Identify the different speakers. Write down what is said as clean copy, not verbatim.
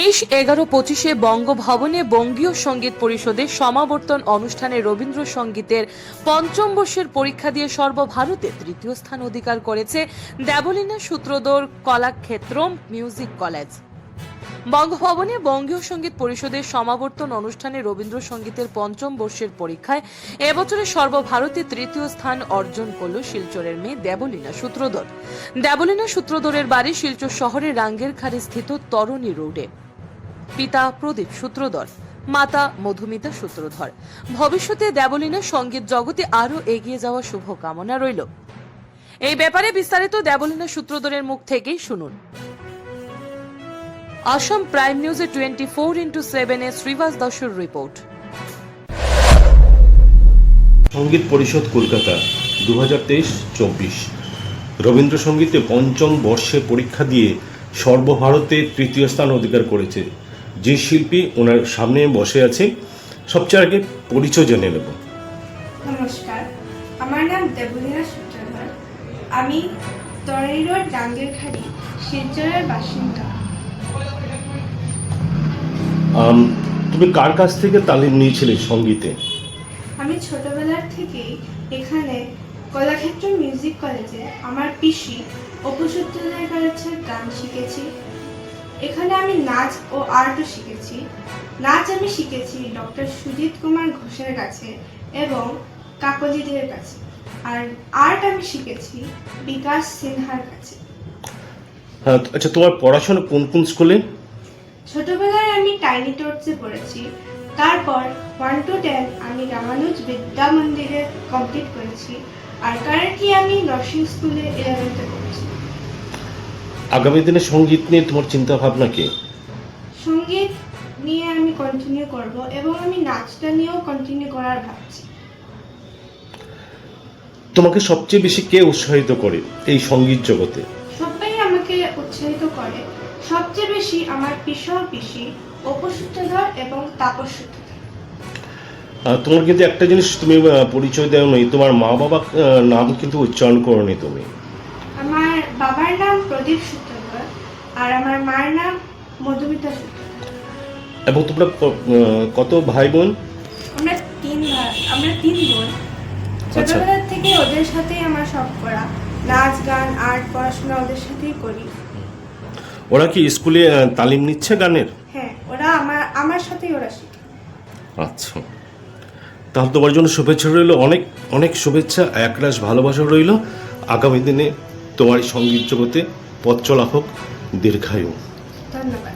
Speaker 1: 23-11-25 বঙ্গভবনে বঙ্গীয় সঙ্গীত পরিষদের সমাবর্তন অনুষ্ঠানে রবীন্দ্রসঙ্গীতের পঞ্চম বর্ষের পরীক্ষা দিয়ে সর্বভারতে তৃতীয় স্থান অধিকার করেছে দেবলীনা সূত্রধর কলাক্ষেত্রম মিউজিক কলেজ। বঙ্গভবনে বঙ্গীয় সঙ্গীত পরিষদের সমাবর্তন অনুষ্ঠানে রবীন্দ্রসঙ্গীতের পঞ্চম বর্ষের পরীক্ষায় এবছরে সর্বভারতে তৃতীয় স্থান অর্জন করল শিলচরের মেয়ে দেবলীনা সূত্রধর। দেবলীনা সূত্রধরের বাড়ি শিলচর শহরের রাঙ্গেরখাড়ি স্থিত তরণী রোডে। পিতা প্রদীপ সূত্রধর, মাতা মধুমিতা সূত্রধর। ভবিষ্যতে দেবলীনা সঙ্গীত জগতে আরও এগিয়ে যাওয়ার শুভকামনা রইল। এই ব্যাপারে বিস্তারিত দেবলীনা সূত্রধরের মুখ থেকেই শুনুন। আসাম প্রাইম নিউজে 24x7 শ্রীবাস দাসের রিপোর্ট।
Speaker 2: সঙ্গীত পরিষদ কলকাতা 2023-24 রবীন্দ্রসঙ্গীতে পঞ্চম বর্ষে পরীক্ষা দিয়ে সর্বভারতে তৃতীয় স্থান অধিকার করেছে যে শিল্পী ওনার সামনে বসে আছে। সবচেয়ে আগে পরিচয় জেনে নেব।
Speaker 3: নমস্কার, আমার নাম দেবলীনা সূত্রধর। আমি তরণী রোড রাঙ্গেরখাড়ি শিলচরের বাসিন্দা।
Speaker 2: তুমি কার কাছ থেকে তালিম নিয়েছিলে সঙ্গীতে?
Speaker 3: আমি ছোটবেলার থেকেই এখানে কলাক্ষেত্র মিউজিক কলেজে আমার পিসি অপু সূত্রধরের কাছে গান শিখেছি। এখানে আমি নাচ ও আর্টও শিখেছি। নাচ আমি শিখেছি ডক্টর সুজিত কুমার ঘোষের কাছে এবং কাকলিদের কাছে, আর আর্ট আমি শিখেছি বিকাশ সিনহার কাছে।
Speaker 2: আচ্ছা, তোমার পড়াশোনা কোন কোন স্কুলে?
Speaker 3: ছোটবেলায় আমি টাইনি টোটসে পড়েছি, তারপর 1 to 10 আমি রামানুজ বিদ্যা মন্দিরে কমপ্লিট করেছি, আর কারেন্টলি আমি নরসিং স্কুলে 11th পড়ছি।
Speaker 2: আগামী দিনে সঙ্গীত নিয়ে তোমার চিন্তা ভাবনা কি?
Speaker 3: সঙ্গীত নিয়ে আমি কন্টিনিউ করব এবং আমি নাচটা নিয়েও কন্টিনিউ করার ভাবছি।
Speaker 2: তোমাকে সবচেয়ে বেশি কে উৎসাহিত করে এই সঙ্গীত জগতে?
Speaker 3: সবাই আমাকে উৎসাহিত করে, সবচেয়ে বেশি আমার পিসি অপু সূত্রধর এবং তাপস সূত্রধর।
Speaker 2: তোমার কিন্তু একটা জিনিস তুমি পরিচয় দেও নি, তোমার মা বাবা নাম কিন্তু উচ্চারণ করোনি তুমি।
Speaker 3: আমার বাবার নাম প্রদীপ সূত্রধর আর আমার মার নাম মধুমিতা সূত্রধর।
Speaker 2: এবং তোমরা কত ভাই বোন?
Speaker 3: আমরা 3 বোন। ছোটবেলা থেকে ওদের সাথেই আমার সব করা, নাচ গান আর্ট পড়াশোনা ওদের সাথেই করি।
Speaker 2: ওরা কি স্কুলে তালিম নিচ্ছে গানের?
Speaker 3: হ্যাঁ, ওরা আমার সাথেই ওরা শিখে।
Speaker 2: আচ্ছা, তাহলে তোমার জন্য শুভেচ্ছা রইল, অনেক অনেক শুভেচ্ছা, একরাশ ভালোবাসা রইল। আগামী দিনে তোমার সঙ্গীত জগতে পথ চলা হোক, দীর্ঘায়ু।
Speaker 3: ধন্যবাদ।